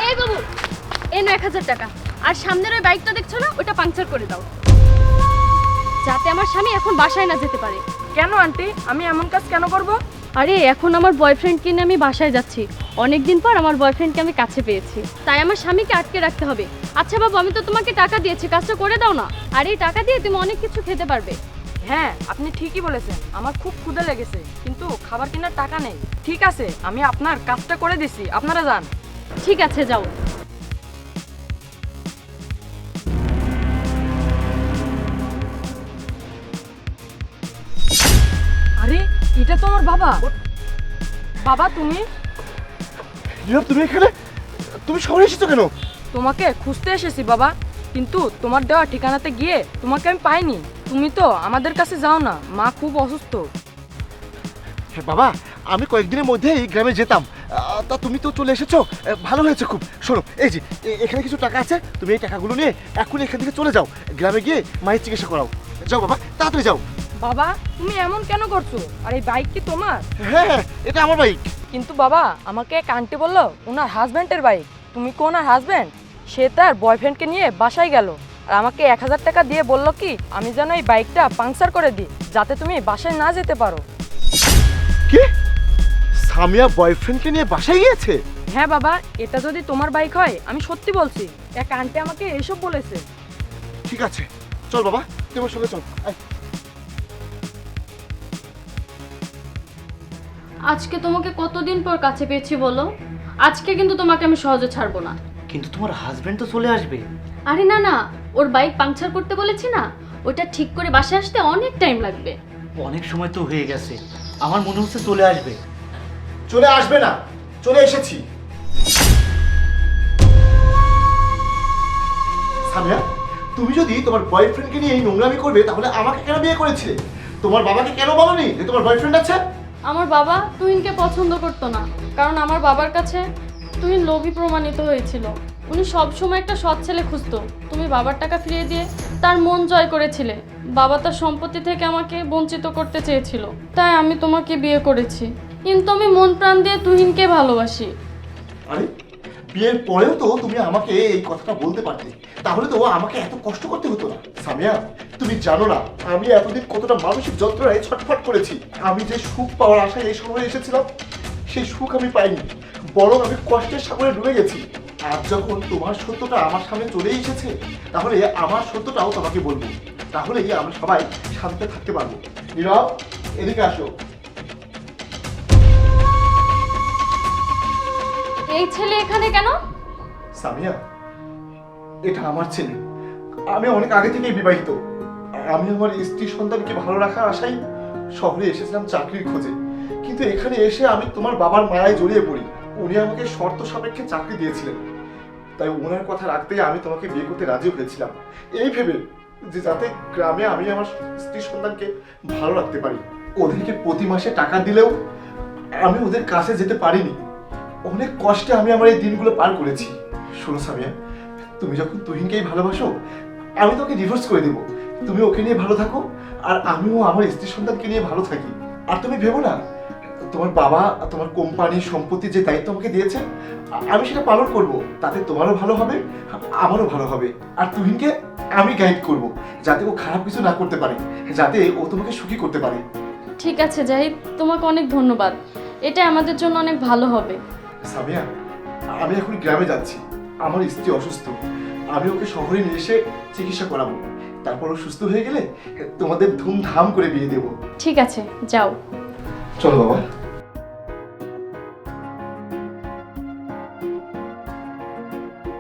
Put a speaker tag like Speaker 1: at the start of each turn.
Speaker 1: এই বাবু, এই ৯,০০০ টাকা। আর সামনের ওই বাইকটা দেখছো না, ওটা পাংচার করে দাও, যাতে আমার স্বামী এখন বাসায় না যেতে পারে।
Speaker 2: কেন আন্টি, আমি এমন কাজ কেন করব?
Speaker 1: আরে এখন আমার বয়ফ্রেন্ডকে নিয়ে আমি বাসায় যাচ্ছি। অনেকদিন পর আমার বয়ফ্রেন্ডকে আমি কাছে পেয়েছি, তাই আমার স্বামীকে আটকে রাখতে হবে। আচ্ছা বাবু, আমি তো তোমাকে টাকা দিয়েছি, কাজটা করে দাও না। আর এই টাকা দিয়ে তুমি অনেক কিছু খেতে পারবে।
Speaker 2: হ্যাঁ, আপনি ঠিকই বলেছেন, আমার খুব ক্ষুধা লেগেছে, কিন্তু খাবার কেনার টাকা নেই। ঠিক আছে, আমি আপনার কাজটা করে দিছি, আপনারা যান।
Speaker 1: ঠিক আছে, যাও।
Speaker 2: আরে এটা তো আমার বাবা। বাবা তুমি?
Speaker 3: নীরব, তুমি এখানে? তুমি শহরে এসেছো কেন?
Speaker 2: তোমাকে খুঁজতে এসেছি বাবা, কিন্তু তোমার দেওয়া ঠিকানাতে গিয়ে তোমাকে আমি পাইনি। তুমি তো আমাদের কাছে যাও না, মা খুব অসুস্থ।
Speaker 3: হ্যাঁ বাবা, আমি কয়েকদিনের মধ্যে এই গ্রামে যেতাম, তা তুমি তো চলে এসেছো, ভালো হয়েছে খুব। শোনো, এই যে এখানে কিছু টাকা আছে, তুমি এই টাকাগুলো নিয়ে এখন এখান থেকে চলে যাও, গ্রামে গিয়ে মায়ের চিকিৎসা করাও। যাও বাবা, তাড়াতাড়ি যাও।
Speaker 2: বাবা তুমি এমন কেন করছো? আর এই বাইক কি তোমার?
Speaker 3: হ্যাঁ হ্যাঁ, এটা আমার বাইক।
Speaker 2: কিন্তু বাবা, আমাকে এক আন্টি বললো ওনার হাজব্যান্ডের বাইক। তুমি কি ওনার হাজব্যান্ড? সে তার বয়ফ্রেন্ডকে নিয়ে বাসায় গেল, আর আমাকে ১,০০০ টাকা দিয়ে বললো কি আমি যেন এই বাইকটা পাংচার করে দিই, যাতে তুমি বাসায় না যেতে পারো।
Speaker 3: কি? সামিয়া বয়ফ্রেন্ডকে নিয়ে বাসায় গিয়েছে?
Speaker 2: হ্যাঁ বাবা, এটা যদি তোমার বাইক হয়, আমি সত্যি বলছি, এক আন্টি আমাকে এসব বলেছে।
Speaker 3: ঠিক আছে, চল বাবা, তোমার সঙ্গে চল। আয়।
Speaker 1: আজকে তোমাকে কতদিন পর কাছে পেয়েছি বলো? আজকে কিন্তু তোমাকে আমি সহজে ছাড়বো না।
Speaker 4: কিন্তু তোমার হাজবেন্ড তো চলে আসবে।
Speaker 1: আরে না না, ওর বাইক পাংচার করতে বলেছি না, ওটা ঠিক করে বাসায় আসতে অনেক টাইম লাগবে।
Speaker 4: অনেক সময় তো হয়ে গেছে, আমার মনে হচ্ছে চলে আসবে।
Speaker 3: চলে আসবে না, চলে এসেছি। সামিয়া, তুমি যদি তোমার বয়ফ্রেন্ডকে নিয়ে এই নোংরামি করবে, তাহলে আমাকে কেন বিয়ে করেছিলে? তোমার বাবাকে কেন বলনি যে তোমার বয়ফ্রেন্ড আছে?
Speaker 1: আমার বাবা তুহিনকে পছন্দ করতো না, কারণ আমার বাবার কাছে তুহিন লোভী প্রমাণিত হয়েছিল। উনি সবসময় একটা সৎ ছেলে খুঁজতো। তুমি বাবার টাকা ফিরিয়ে দিয়ে তার মন জয় করেছিলে। বাবা তার সম্পত্তি থেকে আমাকে বঞ্চিত করতে চেয়েছিল, তাই আমি তোমাকে বিয়ে করেছি। কিন্তু আমি মন প্রাণ দিয়ে তুহিনকে ভালোবাসি।
Speaker 3: আরে, বিয়ের পরেও তো তুমি আমাকে এই কথাটা বলতে পারতে, তাহলে তো আমাকে এত কষ্ট করতে হতো না। সামিয়া, তুমি জানো না আমি এতদিন কতটা মানসিক যন্ত্রণায় ছটফট করেছি। আমি যে সুখ পাওয়ার আশায় এই শহরে এসেছিলাম, সেই সুখ আমি পাইনি, বরং আমি কষ্টের সাগরে ডুবে গেছি। আজ যখন তোমার সত্যটা আমার সামনে চলে এসেছে, তাহলে আমার সত্যটাও তোমাকে বলবো, তাহলেই আমরা সবাই শান্তিতে থাকতে পারবো। নীরব, এদিকে আসো।
Speaker 1: এই ছেলে এখানে কেন?
Speaker 3: সামিয়া, এটা আমার ছেলে। আমি অনেক আগে থেকেই বিবাহিত। আমি আমার স্ত্রী সন্তানকে ভালো রাখার আশায় শহরে এসেছিলাম চাকরির খোঁজে, কিন্তু এখানে এসে আমি তোমার বাবার মায়ায় জড়িয়ে পড়ি। উনি আমাকে শর্ত সাপেক্ষে চাকরি দিয়েছিলেন, তাই ওনার কথা রাখতেই আমি তোমাকে বিয়ে করতে রাজি হয়েছিলাম, এই ভেবে যে যাতে গ্রামে আমি আমার স্ত্রী সন্তানকে ভালো রাখতে পারি। ওদেরকে প্রতি মাসে টাকা দিলেও আমি ওদের কাছে যেতে পারিনি। অনেক কষ্টে আমি আমার এই দিনগুলো পার করেছি। শোনো সামিয়া, তুমি যখন তুহিনকেই ভালোবাসো, আমি তোকে ডিভোর্স করে দেবো। তুমি ওকে নিয়ে ভালো থাকো, আর আমিও আমার স্ত্রী সন্তানকে নিয়ে ভালো থাকি। আর তুমি ভেবো না, তোমার বাবা তোমার কোম্পানি সম্পত্তি যে দায়িত্ব আমাকে দিয়েছে, আমি সেটা পালন করব। তাতে তোমারও ভালো হবে, আমারও ভালো হবে। আর তুহিনকে আমি গাইড করব, যাতে ও খারাপ কিছু না করতে পারে, যাতে ও তোমাকে সুখী করতে পারে।
Speaker 1: ঠিক আছে জাহিদ, তোমাকে অনেক ধন্যবাদ, এটা আমাদের জন্য অনেক ভালো হবে।
Speaker 3: সামিয়া, আমি এখন গ্রামে যাচ্ছি, আমার স্ত্রী অসুস্থ। আমি ওকে শহরে নিয়ে এসে চিকিৎসা করাবো, তারপর ও সুস্থ হয়ে গেলে তোমাদের ধুমধাম করে বিয়ে দেবো।
Speaker 1: ঠিক আছে, যাও।
Speaker 3: চলো বাবা।